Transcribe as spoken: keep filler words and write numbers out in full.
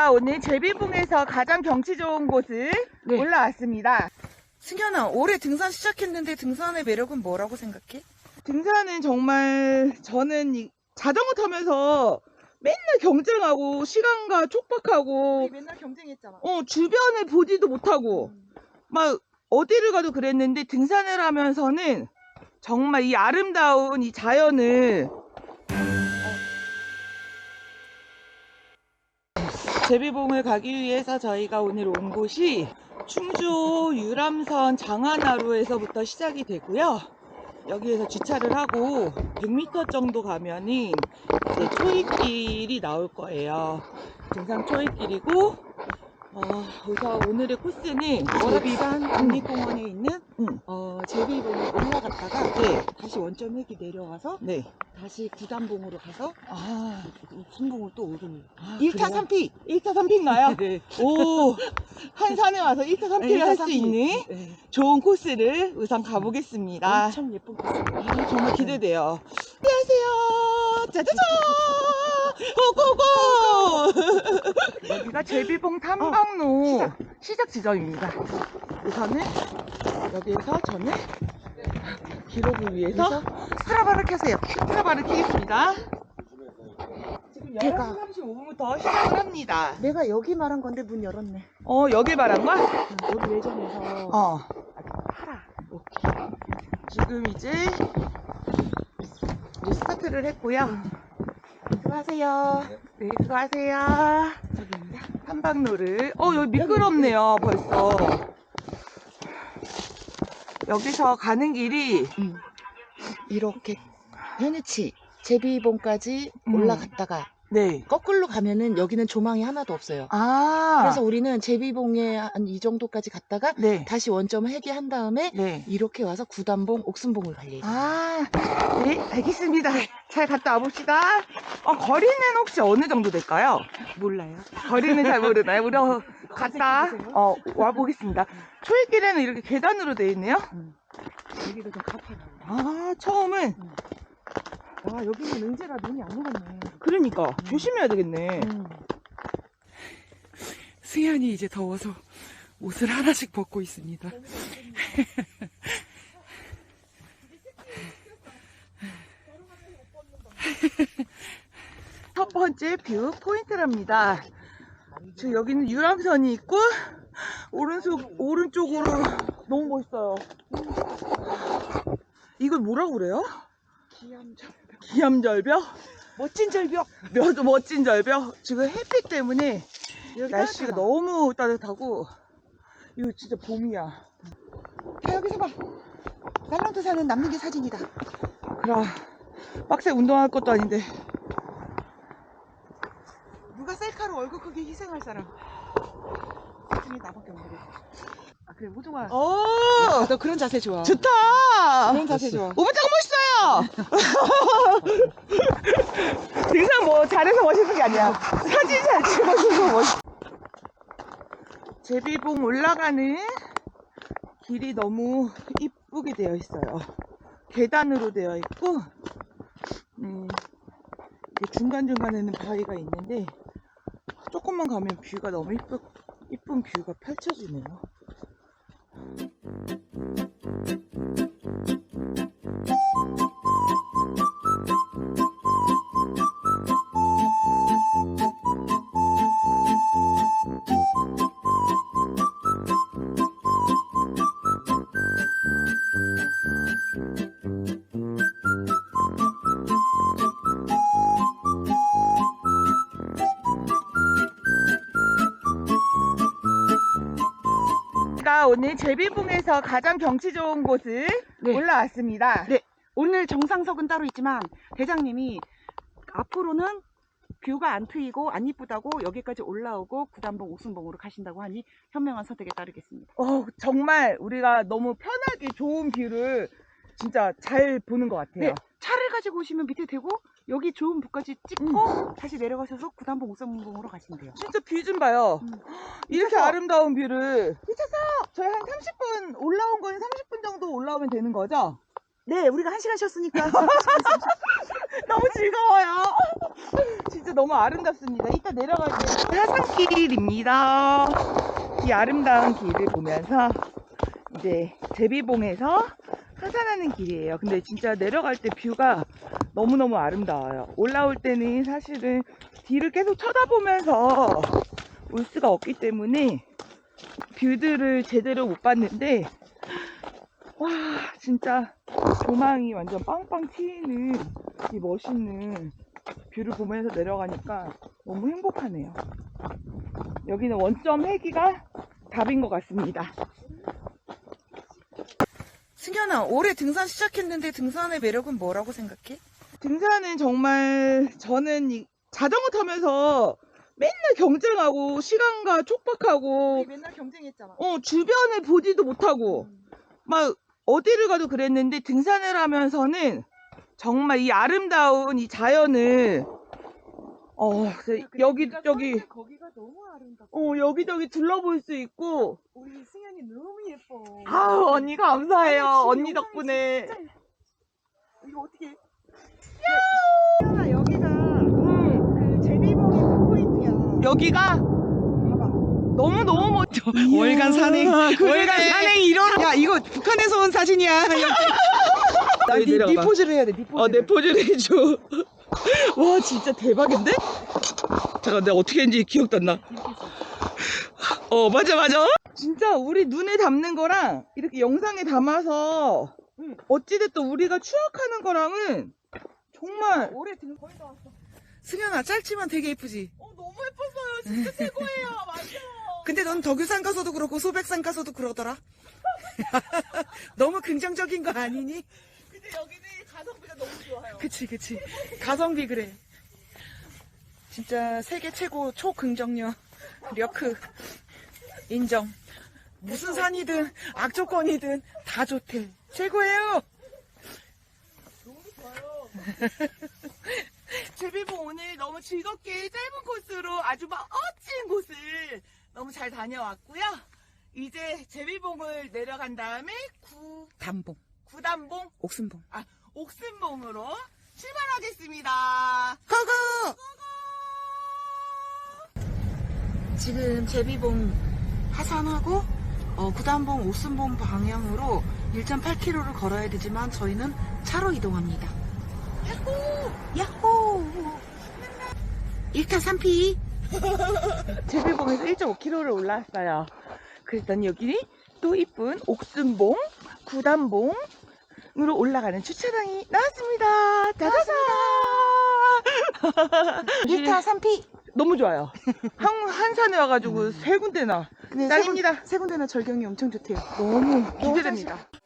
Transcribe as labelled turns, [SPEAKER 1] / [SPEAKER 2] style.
[SPEAKER 1] 제가 오늘 제비봉에서 가장 경치 좋은 곳을
[SPEAKER 2] 네.
[SPEAKER 1] 올라왔습니다.
[SPEAKER 2] 승현아, 올해 등산 시작했는데 등산의 매력은 뭐라고 생각해?
[SPEAKER 1] 등산은 정말 저는 이 자전거 타면서 맨날 경쟁하고 시간과 촉박하고
[SPEAKER 2] 우리 맨날 경쟁했잖아.
[SPEAKER 1] 어 주변을 보지도 못하고
[SPEAKER 2] 음.
[SPEAKER 1] 막 어디를 가도 그랬는데 등산을 하면서는 정말 이 아름다운 이 자연을 제비봉을 가기 위해서 저희가 오늘 온 곳이 충주 유람선 장안하루에서부터 시작이 되고요. 여기에서 주차를 하고 백 미터 정도 가면은 이제 초입길이 나올 거예요. 등산 초입길이고 어, 우선 오늘의 코스는
[SPEAKER 2] 월합산
[SPEAKER 1] 제비-
[SPEAKER 2] 국립공원에 있는
[SPEAKER 1] 음,
[SPEAKER 2] 어, 제비봉을 올라갔다가
[SPEAKER 1] 네,
[SPEAKER 2] 다시 원점회기 내려와서
[SPEAKER 1] 네.
[SPEAKER 2] 다시 구단봉으로 가서
[SPEAKER 1] 아,
[SPEAKER 2] 순봉을 또 오르는
[SPEAKER 1] 아,
[SPEAKER 2] 일 타
[SPEAKER 1] 그래요?
[SPEAKER 2] 삼 피!
[SPEAKER 1] 일 타 삼 피인가요?
[SPEAKER 2] 네.
[SPEAKER 1] 오, 한 산에 와서 일 타 삼 피를 할 수 있는
[SPEAKER 2] 네.
[SPEAKER 1] 좋은 코스를 우선 가보겠습니다.
[SPEAKER 2] 엄청 예쁜 코스.
[SPEAKER 1] 아, 정말 기대돼요. 안녕하세요. 짜자잔! 고고고! 여기가 제비봉 탐방로
[SPEAKER 2] 시작.
[SPEAKER 1] 시작 지점입니다. 우선은 여기에서 저는 기록을 위해서 스트라바를 켜세요. 스트라바를 켜겠습니다. 지금
[SPEAKER 2] 제가-
[SPEAKER 1] 열한 시 삼십오 분부터 시작을 합니다.
[SPEAKER 2] 내가 여기 말한 건데 문 열었네.
[SPEAKER 1] 어, 여길 말한 거야?
[SPEAKER 2] 우리 예전에서
[SPEAKER 1] 어.
[SPEAKER 2] 팔아.
[SPEAKER 1] 지금 이제 이제 스타트를 했고요.
[SPEAKER 2] 수고하세요.
[SPEAKER 1] 네, 수고하세요.
[SPEAKER 2] 저기입니다.
[SPEAKER 1] 탐방로를. 어, 여기 미끄럽네요, 벌써. 여기서 가는 길이,
[SPEAKER 2] 음. 이렇게 현우치 제비봉까지
[SPEAKER 1] 음.
[SPEAKER 2] 올라갔다가
[SPEAKER 1] 네.
[SPEAKER 2] 거꾸로 가면은 여기는 조망이 하나도 없어요.
[SPEAKER 1] 아.
[SPEAKER 2] 그래서 우리는 제비봉에 한 이 정도까지 갔다가
[SPEAKER 1] 네.
[SPEAKER 2] 다시 원점 회귀한 다음에
[SPEAKER 1] 네.
[SPEAKER 2] 이렇게 와서 구단봉, 옥순봉을 갈 예정.
[SPEAKER 1] 아, 네, 알겠습니다. 잘 갔다 와봅시다. 어, 거리는 혹시 어느 정도 될까요?
[SPEAKER 2] 몰라요.
[SPEAKER 1] 거리는 잘 모르나요? 우리 어, 갔다
[SPEAKER 2] 검색해보세요.
[SPEAKER 1] 어, 와보겠습니다. 초입길에는 이렇게 계단으로 되어 있네요.
[SPEAKER 2] 음. 여기가 좀 가파라요.
[SPEAKER 1] 아, 처음은
[SPEAKER 2] 와, 여기는 은재라 눈이 안 녹았네.
[SPEAKER 1] 그러니까 조심해야 되겠네.
[SPEAKER 2] 음.
[SPEAKER 3] 승현이 이제 더워서 옷을 하나씩 벗고 있습니다.
[SPEAKER 1] 첫 번째 뷰 포인트랍니다. 지금 여기는 유람선이 있고 오른쪽 오른쪽으로 너무 멋있어요. 이걸 뭐라고 그래요?
[SPEAKER 2] 기암절벽.
[SPEAKER 1] 기암절벽?
[SPEAKER 2] 멋진 절벽.
[SPEAKER 1] 몇 멋진 절벽. 지금 햇빛 때문에
[SPEAKER 2] 여기
[SPEAKER 1] 날씨가
[SPEAKER 2] 따뜻하다.
[SPEAKER 1] 너무 따뜻하고 이거 진짜 봄이야.
[SPEAKER 2] 자, 여기서 봐. 살란트 사는 남는기 사진이다.
[SPEAKER 1] 그럼 빡세 운동할 것도 아닌데.
[SPEAKER 2] 누가 셀카로 얼굴 크게 희생할 사람. 사진이 나밖에 없는데. 아, 그래, 호동아.
[SPEAKER 1] 오,
[SPEAKER 2] 아, 너 그런 자세 좋아.
[SPEAKER 1] 좋다.
[SPEAKER 2] 그런 자세 좋아.
[SPEAKER 1] 오빠 짱 멋있어요. 등산 뭐 잘해서 멋있는 게 아니야. 사진 잘 찍어줘서 멋있어. 제비봉 올라가는 길이 너무 이쁘게 되어 있어요. 계단으로 되어 있고, 음, 이게 중간중간에는 바위가 있는데, 조금만 가면 뷰가 너무 이쁘, 이쁜 뷰가 펼쳐지네요. 제가 오늘 제비봉에서 가장 경치 좋은 곳을
[SPEAKER 2] 네.
[SPEAKER 1] 올라왔습니다.
[SPEAKER 2] 네. 오늘 정상석은 따로 있지만 대장님이 앞으로는 뷰가 안 트이고 안 이쁘다고 여기까지 올라오고 구단봉, 옥순봉으로 가신다고 하니 현명한 선택에 따르겠습니다.
[SPEAKER 1] 어, 정말 우리가 너무 편하게 좋은 뷰를 진짜 잘 보는 것 같아요.
[SPEAKER 2] 네. 차를 가지고 오시면 밑에 대고 여기 좋은 뷰까지 찍고 다시 내려가셔서 구단봉, 옥순봉으로 가신대요.
[SPEAKER 1] 진짜 뷰 좀 봐요.
[SPEAKER 2] 음.
[SPEAKER 1] 이렇게
[SPEAKER 2] 미쳤어.
[SPEAKER 1] 아름다운 뷰를 미쳤어. 저희 한 삼십 분 올라온 건 삼십 분 정도 올라오면 되는 거죠?
[SPEAKER 2] 네, 우리가 한 시간 쉬었으니까.
[SPEAKER 1] 너무 즐거워요. 진짜 너무 아름답습니다. 이따 내려갈게요. 하산길입니다. 이 아름다운 길을 보면서 이제 제비봉에서 하산하는 길이에요. 근데 진짜 내려갈 때 뷰가 너무너무 아름다워요. 올라올 때는 사실은 뒤를 계속 쳐다보면서 올 수가 없기 때문에 뷰들을 제대로 못 봤는데, 와, 진짜 조망이 완전 빵빵 튀는 이 멋있는 뷰를 보면서 내려가니까 너무 행복하네요. 여기는 원점 회기가 답인 것 같습니다.
[SPEAKER 3] 승현아, 올해 등산 시작했는데 등산의 매력은 뭐라고 생각해?
[SPEAKER 1] 등산은 정말 저는 이 자전거 타면서 맨날 경쟁하고 시간과 촉박하고
[SPEAKER 2] 우리 맨날 경쟁했잖아.
[SPEAKER 1] 어 주변을 보지도 못하고 막 어디를 가도 그랬는데, 등산을 하면서는 정말 이 아름다운 이 자연을 어 여기 저기
[SPEAKER 2] 거기가 너무 아름답고.
[SPEAKER 1] 어 여기저기 둘러볼 수 있고.
[SPEAKER 2] 우리 승현이 너무 예뻐.
[SPEAKER 1] 아우, 언니 감사해요.
[SPEAKER 2] 아니,
[SPEAKER 1] 언니
[SPEAKER 2] 지금
[SPEAKER 1] 덕분에.
[SPEAKER 2] 영상이 이거 어떻게? 야! 승현아, 여기가
[SPEAKER 1] 음,
[SPEAKER 2] 그 제비봉의 그 포인트야.
[SPEAKER 1] 여기가
[SPEAKER 2] 봐봐.
[SPEAKER 1] 너무 너무 멋져.
[SPEAKER 3] 월간 산행, 월간 산행 일어나.
[SPEAKER 2] 야, 이거 북한에서 온 사진이야. 나
[SPEAKER 1] 여기
[SPEAKER 2] 니, 니
[SPEAKER 1] 내려가봐.
[SPEAKER 2] 포즈를 해야 돼. 니 포즈.
[SPEAKER 1] 어, 내 포즈를 해줘. 와, 진짜 대박인데? 잠깐, 내가 어떻게 했는지 기억도 안 나. 어, 맞아, 맞아. 진짜 우리 눈에 담는 거랑 이렇게 영상에 담아서
[SPEAKER 2] 응.
[SPEAKER 1] 어찌됐든 우리가 추억하는 거랑은 정말.
[SPEAKER 2] 올해 등 거의 다 왔어.
[SPEAKER 3] 승현아, 짧지만 되게 예쁘지?
[SPEAKER 1] 어, 너무 예뻤어요. 진짜 최고예요. 맞아.
[SPEAKER 3] 근데 넌 덕유산 가서도 그렇고 소백산 가서도 그러더라. 너무 긍정적인 거 아니니?
[SPEAKER 1] 근데 여기는 가성비가 너무 좋아요.
[SPEAKER 3] 그치, 그치. 가성비 그래. 진짜 세계 최고 초긍정력 려크 인정. 무슨 산이든 악조건이든 다 좋대. 최고예요.
[SPEAKER 1] 너무 좋아요. 제비봉 오늘 너무 즐겁게 짧은 코스로 아주 멋진 곳을 너무 잘 다녀왔고요. 이제 제비봉을 내려간 다음에 구,
[SPEAKER 3] 담봉,
[SPEAKER 1] 구단봉,
[SPEAKER 3] 옥순봉.
[SPEAKER 1] 아, 옥순봉으로 출발하겠습니다.
[SPEAKER 3] 고고! 지금 제비봉 하산하고 어, 구단봉, 옥순봉 방향으로 일 점 팔 킬로미터를 걸어야 되지만 저희는 차로 이동합니다. 야호! 야호! 일 타 삼 피.
[SPEAKER 1] 제비봉에서 일 점 오 킬로미터를 올라왔어요. 그랬더니 여기 또 이쁜 옥순봉, 구단봉으로 올라가는 주차장이 나왔습니다. 짜자잔!
[SPEAKER 2] 일 타 삼 피.
[SPEAKER 1] 너무 좋아요. 한, 한 산에 와가지고 세 군데나
[SPEAKER 2] 근데
[SPEAKER 1] 짱입니다.
[SPEAKER 2] 세 군데나 절경이 엄청 좋대요.
[SPEAKER 1] 너무 기대됩니다.